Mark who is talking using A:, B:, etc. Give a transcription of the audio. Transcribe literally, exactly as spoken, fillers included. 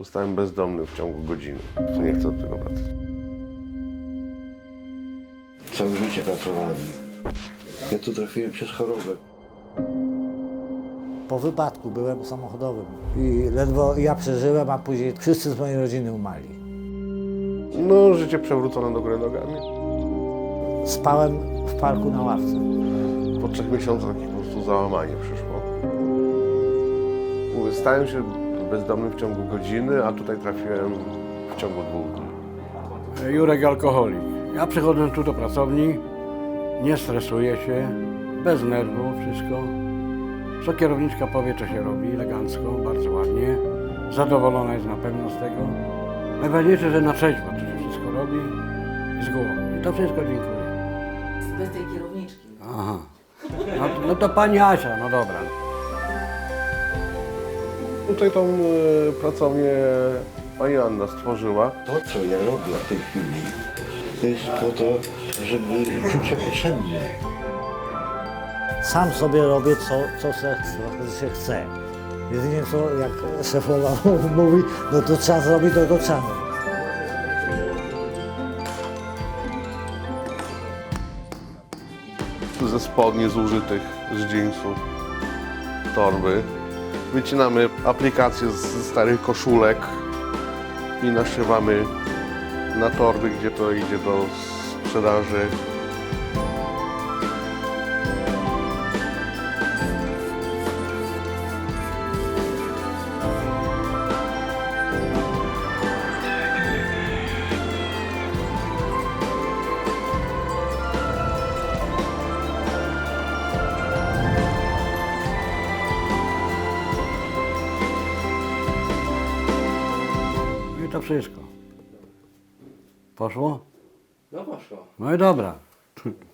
A: Zostałem bezdomny w ciągu godziny. Nie chcę od tego wracać.
B: Całe życie pracowałem. Ja tu trafiłem przez chorobę.
C: Po wypadku byłem samochodowym i ledwo ja przeżyłem, a później wszyscy z mojej rodziny umarli.
A: No, życie przewrócone do góry nogami.
C: Spałem w parku na ławce.
A: Po trzech miesiącach po prostu załamanie przyszło. Mówię, stałem się bezdomnym w ciągu godziny, a tutaj trafiłem w ciągu dwóch dni.
D: Jurek alkoholik. Ja przychodzę tu do pracowni, nie stresuję się, bez nerwów, wszystko. Co kierowniczka powie, co się robi, elegancko, bardzo ładnie. Zadowolona jest na pewno z tego. Najważniejsze, że na trzeźwo to się wszystko robi i z głową. I to wszystko dziękuję.
E: Bez tej kierowniczki.
D: Aha. No, to- no to pani Asia, no dobra.
A: Tutaj tą e, pracownię pani Anna stworzyła.
B: To, co ja robię w tej chwili, to jest po to, żeby czuć się potrzebny.
C: Sam sobie robię, co, co se, co się chce. Jedynie co, jak szefowa mówi, no to trzeba zrobić, to to trzeba.
A: Ze spodni zużytych z jeansów, torby. Wycinamy aplikacje z starych koszulek i naszywamy na torby, gdzie to idzie do sprzedaży.
D: No i to wszystko. Poszło?
F: No poszło.
D: No i dobra.